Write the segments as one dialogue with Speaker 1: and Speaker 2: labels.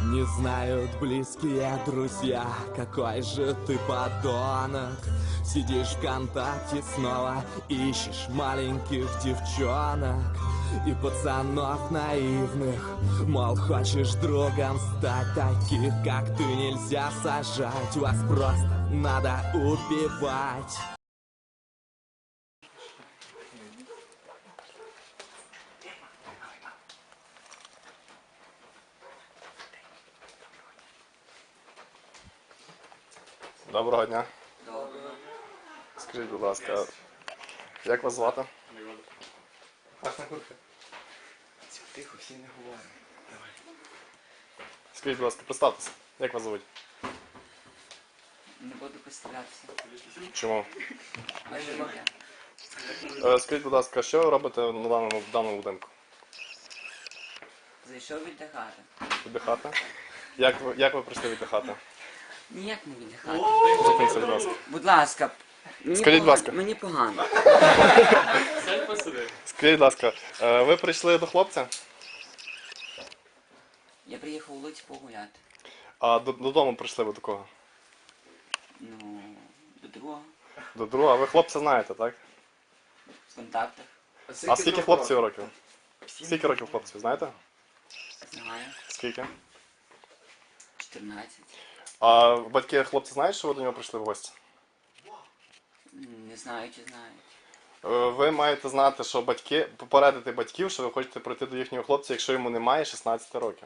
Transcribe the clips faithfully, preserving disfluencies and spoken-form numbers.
Speaker 1: Не знают близкие друзья, какой же ты подонок. Сидишь ВКонтакте снова, ищешь маленьких девчонок и пацанов наивных. Мол, хочешь другом стать, таких как ты нельзя сажать. Вас просто надо убивать.
Speaker 2: Доброго дня.
Speaker 3: Доброго.
Speaker 2: Скажіть, будь ласка, як вас звати?
Speaker 3: Класна куртка. Тихо, всі не говоримо. Давай.
Speaker 2: Скажіть, будь ласка, представтеся. Як вас звуть?
Speaker 3: Не буду представлятися.
Speaker 2: Чому?
Speaker 3: А не можу.
Speaker 2: Е, Скажіть, будь ласка, що ви робите на даному, в даному будинку?
Speaker 3: Зайшов віддихати.
Speaker 2: Віддихати? Як ви, як ви прийшли віддихати?
Speaker 3: Ніяк не віддихати.
Speaker 2: Зупиніться, будь ласка.
Speaker 3: Будь ласка. Мені
Speaker 2: Скажіть, будь
Speaker 3: погано-
Speaker 2: ласка.
Speaker 3: Мені погано.
Speaker 2: Скажіть, будь ласка, е, ви прийшли до хлопця,
Speaker 3: Я приїхав у Луць погуляти.
Speaker 2: а до- додому прийшли ви до кого?
Speaker 3: Ну, до другого.
Speaker 2: До друга. Ви хлопця знаєте, так?
Speaker 3: В контактах.
Speaker 2: А скільки хлопців років? Скільки років хлопців, знаєте?
Speaker 3: Знаю.
Speaker 2: Скільки?
Speaker 3: чотирнадцять.
Speaker 2: А батьки хлопці знають, що ви до нього прийшли в гості?
Speaker 3: Не знаю, чи знають.
Speaker 2: Е, Ви маєте знати, що батьки, попередити батьків, що ви хочете прийти до їхнього хлопця, якщо йому немає шістнадцяти років.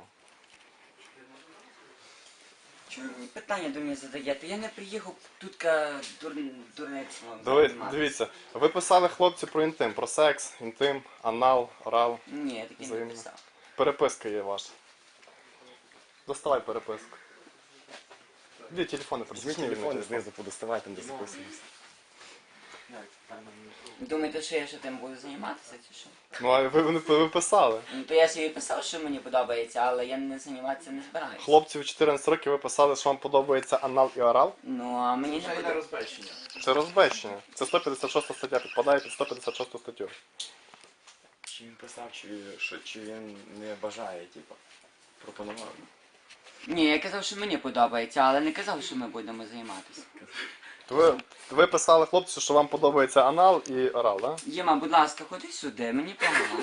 Speaker 3: Чому ви питання до мене задаєте? Я не приїхав тут ка дур... дурництво.
Speaker 2: Диви,
Speaker 3: займатися.
Speaker 2: дивіться, ви писали хлопцю про інтим, про секс, інтим, анал, орал.
Speaker 3: Ні, я таки не
Speaker 2: Взаємно.
Speaker 3: писав.
Speaker 2: Переписка є ваша. Доставай переписку. Де телефони там?
Speaker 4: Візьміть телефон, знизу подоставай, там де записуємося.
Speaker 3: Думаєте, що я ще тим буду займатися, чи що?
Speaker 2: Ну, а ви, ви, ви писали.
Speaker 3: Ну, то я собі писав, що мені подобається, але я не займатися не збираюся.
Speaker 2: Хлопцю в чотирнадцять років ви писали, що вам подобається анал і орал.
Speaker 3: Ну, а мені не подобається.
Speaker 2: Це розбещення. Це сто п'ятдесят шоста стаття, підпадає під сто п'ятдесят шосту статтю.
Speaker 4: Чи він писав, чи, що, чи він не бажає, типу, пропонував.
Speaker 3: Ні, я казав, що мені подобається, але не казав, що ми будемо займатися.
Speaker 2: То ви, ви писали хлопцю, що вам подобається анал і орал, так? Да?
Speaker 3: Єма, будь ласка, ходи сюди, мені погано.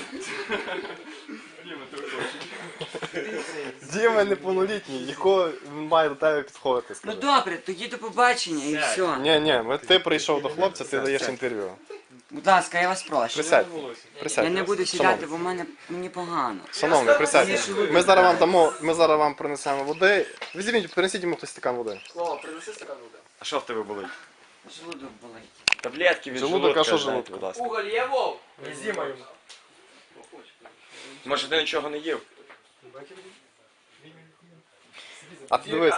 Speaker 2: Діма неповнолітній, якого він має до тебе підходити,
Speaker 3: Ну
Speaker 2: скажи.
Speaker 3: добре, тоді до побачення і все.
Speaker 2: Ні, ні, ми- ти прийшов до хлопця, ти даєш інтерв'ю.
Speaker 3: Будь ласка, я вас прошу.
Speaker 2: Присядь. Присядь.
Speaker 3: Я не буду сідати, бо в мене мені погано.
Speaker 2: Шановний, присядьте. Ми зараз вам дамо, ми зараз вам принесемо води. Візьміть, принесіть йому хтось стакан води.
Speaker 4: А що в тебе болить?
Speaker 3: Желудок болить.
Speaker 4: Таблетки від
Speaker 2: Желудок,
Speaker 4: желудка,
Speaker 2: а що
Speaker 4: дайте,
Speaker 2: желудка?
Speaker 4: будь ласка.
Speaker 5: Уголь є, Вов? Зіма йому.
Speaker 4: Може ти нічого не їв?
Speaker 2: А ти дивись.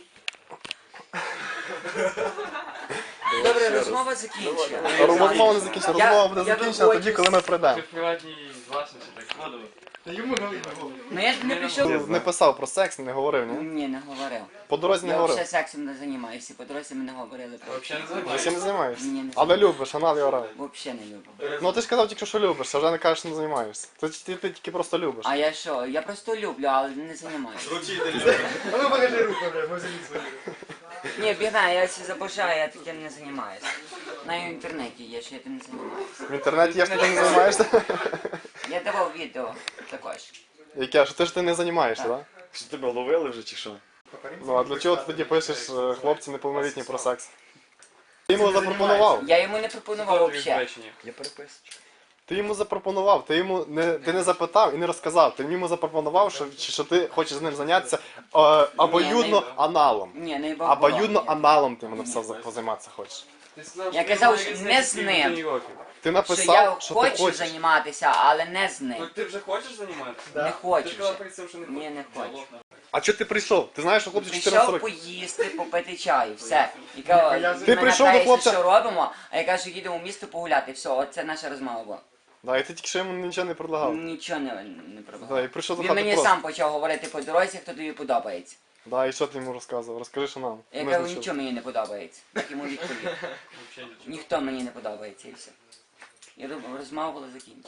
Speaker 3: Добре, розмова закінчена.
Speaker 2: Розмова не закінчена, розмова буде
Speaker 3: я
Speaker 2: закінчена
Speaker 3: виходжу
Speaker 2: тоді, коли ми прийдемо.
Speaker 5: Приватній власності, так складово. Йому налить на голову.
Speaker 3: Ну я не прийшов.
Speaker 2: Не писав про секс, не говорив, ні?
Speaker 3: Ні, не говорив.
Speaker 2: По дорозі не
Speaker 3: Я
Speaker 2: говорив.
Speaker 3: взагалі сексом не займаюся, по дорозі ми не говорили про
Speaker 5: Взагалі не
Speaker 2: Ви
Speaker 5: займаєшся.
Speaker 2: ще не займаєшся?
Speaker 3: Ні, не
Speaker 2: Але любиш, анал і орал.
Speaker 3: Взагалі не люблю.
Speaker 2: Ну ти ж казав тільки, що любиш, а вже не кажеш, що не займаєшся. Ти, ти, ти тільки просто любиш.
Speaker 3: А я що? Я просто люблю, але не займаюся.
Speaker 5: А ну покажи руку, бля, ми взяли свою.
Speaker 3: Ні, бігна, я це забажаю, я таким не займаюся. На інтернеті є, що я тим не займаюся.
Speaker 2: В інтернеті є, що ти не займаєшся?
Speaker 3: Я давав відео також.
Speaker 2: Яке, що ти ж ти не займаєшся, так?
Speaker 4: Що тебе ловили вже чи що?
Speaker 2: Ну а для чого ти тоді пишеш е, хлопці неповнолітні про секс? Ти йому запропонував.
Speaker 3: Я йому не пропонував взагалі.
Speaker 4: Є переписочка.
Speaker 2: Ти йому запропонував, ти йому не, ти не запитав і не розказав. Ти йому запропонував, що, що ти хочеш з ним зайнятися е, обоюдно аналом.
Speaker 3: Ні, не бабуло.
Speaker 2: Обоюдно аналом ти йому написав за- позайматися хочеш.
Speaker 3: Я казав, що не з ним.
Speaker 2: Ти
Speaker 3: Що я
Speaker 2: написав, що ти
Speaker 3: хочу
Speaker 2: хочеш.
Speaker 3: займатися, але не з
Speaker 5: Ну
Speaker 3: ним.
Speaker 5: ти вже хочеш займатися?
Speaker 3: Не хочу
Speaker 5: Ти ж казав
Speaker 3: вже.
Speaker 5: перед цим, що не
Speaker 3: Ні, не хочу.
Speaker 2: А чого ти прийшов? Ти знаєш, що хлопці чотирнадцять
Speaker 3: Прийшов
Speaker 2: років.
Speaker 3: поїсти, попити чай, все. І кажу,
Speaker 2: Ти
Speaker 3: мене
Speaker 2: прийшов до
Speaker 3: питаєте,
Speaker 2: хлопця-
Speaker 3: що робимо, а я кажу, їдемо в місто погуляти. Все, оце наша розмова була.
Speaker 2: Да, і ти тільки що йому нічого не предлагав.
Speaker 3: Нічого не, не
Speaker 2: Да, і
Speaker 3: пробував.
Speaker 2: прийшов до
Speaker 3: Він
Speaker 2: хати
Speaker 3: мені
Speaker 2: просто.
Speaker 3: сам почав говорити по дорозі, хто тобі подобається.
Speaker 2: Да, і що ти йому розказував? Розкажи, що нам.
Speaker 3: Я
Speaker 2: Ми
Speaker 3: кажу,
Speaker 2: знайшли.
Speaker 3: нічого мені не подобається. Так йому відповів. Ніхто мені не подобається і все. І розмова була закінчена.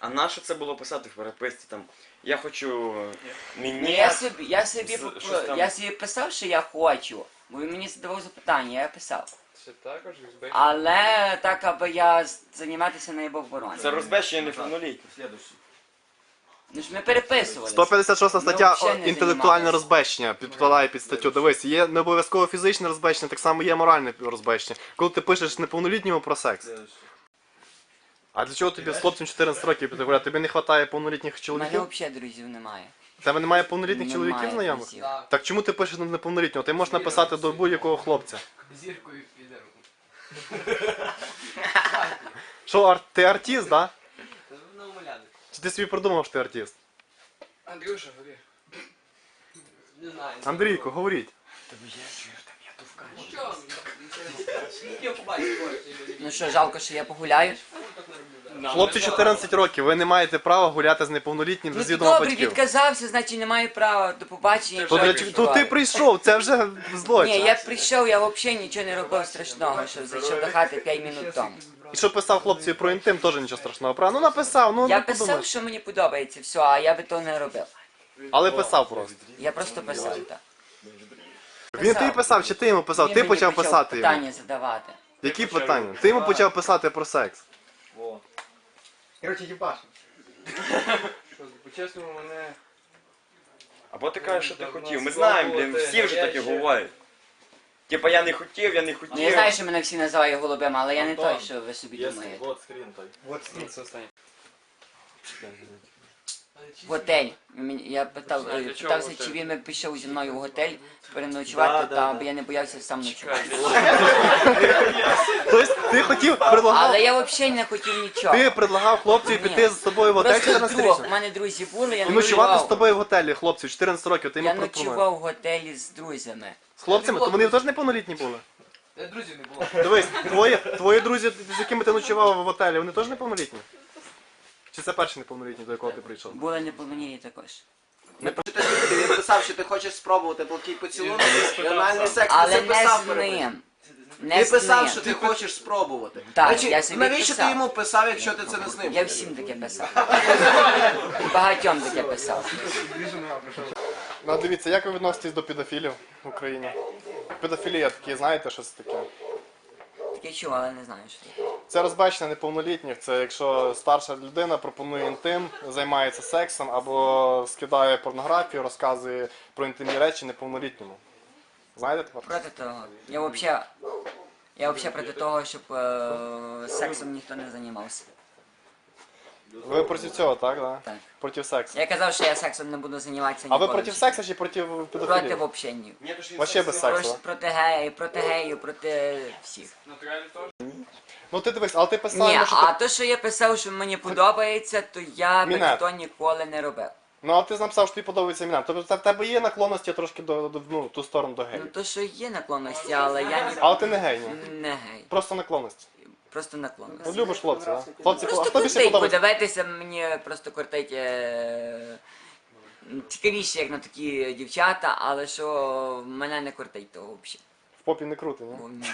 Speaker 4: А на що це було писати в переписці там? Я хочу
Speaker 3: Ну,
Speaker 4: мені.
Speaker 3: я собі, я собі,
Speaker 4: з-
Speaker 3: поп-
Speaker 4: щось там-
Speaker 3: я собі писав, що я хочу, бо він мені задавав запитання, я писав.
Speaker 5: Це також ексбей.
Speaker 3: Але так, аби я з- займатися не був оборони.
Speaker 4: Це розбещення неповнолітніх.
Speaker 3: Ну ж ми переписувалися.
Speaker 2: сто п'ятдесят шоста стаття
Speaker 3: Ми взагалі не
Speaker 2: інтелектуальне
Speaker 3: займалися.
Speaker 2: розбещення підпадає під статтю. Дивись, є не обов'язково фізичне розбещення, так само є моральне розбещення. Коли ти пишеш неповнолітньому про секс. А для чого тобі з хлопцем чотирнадцять років піти гуляти? Тобі не вистачає повнолітніх
Speaker 3: У мене
Speaker 2: чоловіків?
Speaker 3: взагалі друзів немає.
Speaker 2: В тебе немає повнолітніх
Speaker 3: Немає
Speaker 2: чоловіків знайомих?
Speaker 3: друзів.
Speaker 5: Так.
Speaker 2: Так чому ти пишеш на неповнолітнього? Ти можеш написати до будь-якого хлопця.
Speaker 5: Зіркою піде.
Speaker 2: Що, ар- ти артист, да?
Speaker 5: Це на умоляни.
Speaker 2: Чи ти собі придумав, що ти артист?
Speaker 5: Андрюша, говори. Не знаю.
Speaker 2: Андрійко, говоріть.
Speaker 5: Що? Я побачив,
Speaker 3: Ну що, жалко, що я погуляю?
Speaker 2: Хлопці чотирнадцять років, ви не маєте права гуляти з неповнолітнім
Speaker 3: Ну
Speaker 2: без
Speaker 3: ти
Speaker 2: відома
Speaker 3: добре,
Speaker 2: батьків.
Speaker 3: відказався, значить не маю права. До побачення.
Speaker 2: То, для, чого- то ти прийшов, це вже злочин.
Speaker 3: Ні, я прийшов, я взагалі нічого не робив страшного, що зайшов до хати п'ять минут тому.
Speaker 2: І що писав хлопцеві про інтим, теж нічого страшного. Правда? Ну написав, ну
Speaker 3: Я
Speaker 2: не
Speaker 3: писав,
Speaker 2: подумаєш.
Speaker 3: що мені подобається, все, а я би того не робив.
Speaker 2: Але писав просто.
Speaker 3: Я просто писав так.
Speaker 2: Він тобі писав, чи ти йому писав?
Speaker 3: Він
Speaker 2: Ти
Speaker 3: мені
Speaker 2: почав писати йому.
Speaker 3: питання задавати.
Speaker 2: Які питання? Ти йому почав писати про секс.
Speaker 6: Короче, їбаш.
Speaker 5: Що, по-чесному, мене...
Speaker 4: Або ти кажеш, що ти хотів. Ми знаємо, блін, всі вже таке говорять. Типа я не хотів, я не хотів.
Speaker 3: Ну я знаю, що мене всі називають голубим, але я не той, що ви собі думаєте.
Speaker 6: Вот
Speaker 5: Це останнє.
Speaker 3: В готель. Мені- Я питав,
Speaker 5: А
Speaker 3: е,
Speaker 5: для чого
Speaker 3: питався,
Speaker 5: готель?
Speaker 3: чи він би пішов зі мною в готель переночувати, та аби я не боявся сам ночувати.
Speaker 2: Тобто ти хотів, предлагав,
Speaker 3: Але я взагалі не хотів нічого.
Speaker 2: ти предлагав хлопцеві
Speaker 3: Ні.
Speaker 2: піти з тобою в готель
Speaker 3: Просто
Speaker 2: чотирнадцять
Speaker 3: друг, у
Speaker 2: річних?
Speaker 3: мене друзі були, я
Speaker 2: І ночувати з
Speaker 3: ночував.
Speaker 2: тобою в готелі, хлопців, чотирнадцять років, ти
Speaker 3: Я
Speaker 2: йому пропонуєш.
Speaker 3: ночував в готелі з друзями.
Speaker 2: З хлопцями? То вони теж неповнолітні були?
Speaker 5: Е, Друзів не було.
Speaker 2: Дивись, твої, твої друзі, з якими ти ночував в готелі, вони теж неповнолітні? Чи це перший неповнолітній, до якого ти прийшов?
Speaker 3: Були неповнолітні також.
Speaker 6: Він писав, що ти хочеш спробувати плоский поцілунок, і анальний секс,
Speaker 3: Але
Speaker 6: ти
Speaker 3: не
Speaker 6: писав
Speaker 3: з
Speaker 6: перед ним.
Speaker 3: ним. Не
Speaker 6: Ти
Speaker 3: з
Speaker 6: писав,
Speaker 3: ним.
Speaker 6: що ти хочеш спробувати.
Speaker 3: Так,
Speaker 6: Значить,
Speaker 3: я собі
Speaker 6: навіщо ти
Speaker 3: писав.
Speaker 6: йому писав, якщо ти це не з ним?
Speaker 3: Я всім таке писав. Багатьом таке писав.
Speaker 2: Ну, дивіться, як ви відноситесь до педофілів в Україні? Педофілія такі, знаєте, що це таке?
Speaker 3: Таке чув, але не знаю, що це.
Speaker 2: Це розбачення неповнолітніх, це якщо старша людина пропонує інтим, займається сексом або скидає порнографію, розказує про інтимні речі неповнолітньому. Знаєте тепер?
Speaker 3: Проти того. Я взагалі, я взагалі проти того, щоб е, сексом ніхто не займався.
Speaker 2: Ви проти цього, так? Да?
Speaker 3: Так.
Speaker 2: Проти сексу.
Speaker 3: Я казав, що я сексом не буду займатися
Speaker 2: А ви
Speaker 3: ніколи.
Speaker 2: проти сексу чи проти
Speaker 3: Проти
Speaker 2: педофілії?
Speaker 3: взагалі ні.
Speaker 2: Вообще без сексу,
Speaker 3: Проти,
Speaker 2: да?
Speaker 3: проти геїв, проти геїв, проти всіх.
Speaker 5: Натурально теж?
Speaker 2: Ну ти дивись, але ти писав,
Speaker 3: Ні,
Speaker 2: йому, що
Speaker 3: а
Speaker 2: ти...
Speaker 3: то, що я писав, що мені подобається, то я би
Speaker 2: Мінет.
Speaker 3: то ніколи не робив.
Speaker 2: Ну а ти написав, що тобі подобається імена. Тобто в тебе є наклонності трошки до, до ну, ту сторону до
Speaker 3: Ну
Speaker 2: геїв.
Speaker 3: то, що є наклонності, але я ні...
Speaker 2: Але ти не гей, ні?
Speaker 3: не гей.
Speaker 2: Просто наклонності.
Speaker 3: Просто
Speaker 2: Ну,
Speaker 3: наклонності.
Speaker 2: любиш хлопців, так? Да? Хлопці, а
Speaker 3: Просто
Speaker 2: хто більше
Speaker 3: кортить
Speaker 2: подобається?
Speaker 3: подивитися, мені просто кортить е... цікавіше, як на такі дівчата, але що мене не кортить того взагалі.
Speaker 2: В попі не крути, ні?
Speaker 3: Бо, ні.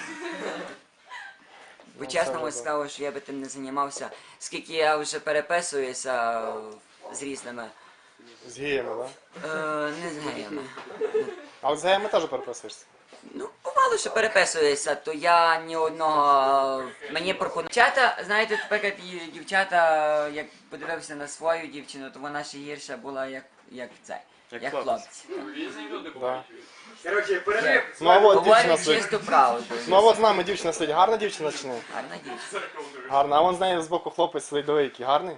Speaker 3: Бо
Speaker 2: Ну,
Speaker 3: чесно
Speaker 2: це
Speaker 3: сказав, що я би тим не займався. Скільки я вже переписуюся з різними,
Speaker 2: З геями, так? Да?
Speaker 3: е, не з геями.
Speaker 2: Але з геями теж переписуєшся.
Speaker 3: Ну, бувало, що переписуюся, то я ні одного мені пропонують. Дівчата, знаєте, тепер як і дівчата, як подивився на свою дівчину, то вона ще гірша була, як, як це, як,
Speaker 4: Як
Speaker 3: хлопці.
Speaker 5: Різні люди
Speaker 2: Да.
Speaker 5: бувають.
Speaker 6: Короче, перерив.
Speaker 2: Ну а от дівчина
Speaker 3: Говорять
Speaker 2: сидить.
Speaker 3: чисту правду.
Speaker 2: Ну а от з нами дівчина сидить. Гарна дівчина чи ні?
Speaker 3: Гарна дівчина.
Speaker 2: Гарна. А вон з нею збоку хлопець сидить, диви, який гарний.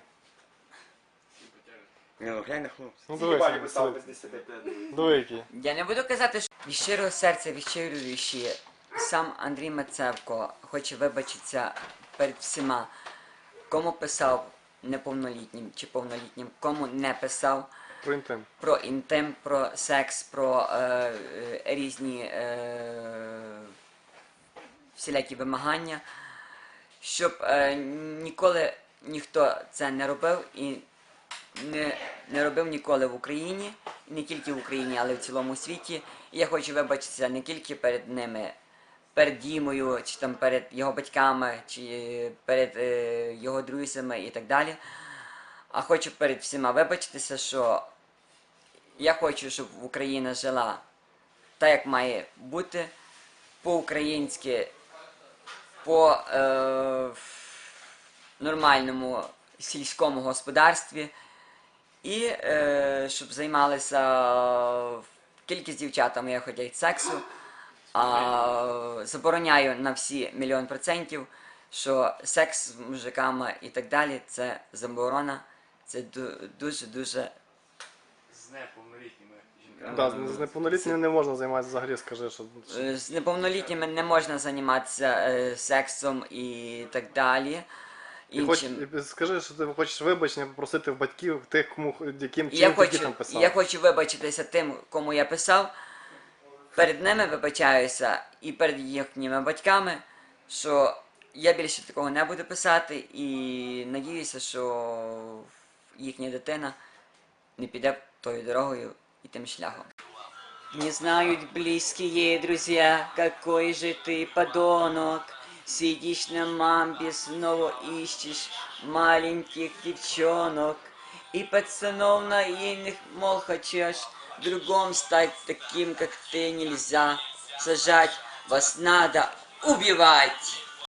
Speaker 4: Ні, ну глянь на хлопця.
Speaker 2: Ну дивись,
Speaker 6: Їбалі
Speaker 2: він
Speaker 6: писав
Speaker 2: сидить.
Speaker 6: без десяти.
Speaker 2: Диви, який.
Speaker 3: Я не буду казати, що від щирого серця, від щирої душі, сам Андрій Мацевко хоче вибачитися перед всіма, кому писав неповнолітнім чи повнолітнім, кому не писав
Speaker 2: Про інтим.
Speaker 3: про інтим, про секс, про е, е, різні е, всілякі вимагання, щоб е, ніколи ніхто це не робив і не, не робив ніколи в Україні, і не тільки в Україні, але в цілому світі. І я хочу вибачитися не тільки перед ними, перед Дімою, чи там перед його батьками, чи перед е, його друзями і так далі. А хочу перед всіма вибачитися, що я хочу, щоб Україна жила так, як має бути, по-українськи, по е, нормальному сільському господарстві. І е, щоб займалися кількість дівчатами, я хотять сексу, а забороняю на всі мільйон процентів, що секс з мужиками і так далі, це заборона, це дуже-дуже...
Speaker 5: З неповнолітніми жінками.
Speaker 2: Да, з неповнолітніми не можна займатися взагалі, скажи, що...
Speaker 3: Е, З неповнолітніми не можна займатися е, сексом і так далі.
Speaker 2: Ти хоч,
Speaker 3: Іншим.
Speaker 2: скажи, що ти хочеш вибачення попросити в батьків, тих, кому, яким
Speaker 3: Я
Speaker 2: чином ти
Speaker 3: хочу,
Speaker 2: дітям писав.
Speaker 3: я хочу вибачитися тим, кому я писав. Перед ними вибачаюся і перед їхніми батьками, що я більше такого не буду писати, і надіюся, що їхня дитина не піде тою дорогою і тим шляхом. Не знают близкие друзья, какой же ты подонок. Сидишь на мамбе, снова ищешь маленьких девчонок. И пацанов наивных, мол, хочешь другом стать таким, как ты, нельзя. Сажать вас надо убивать.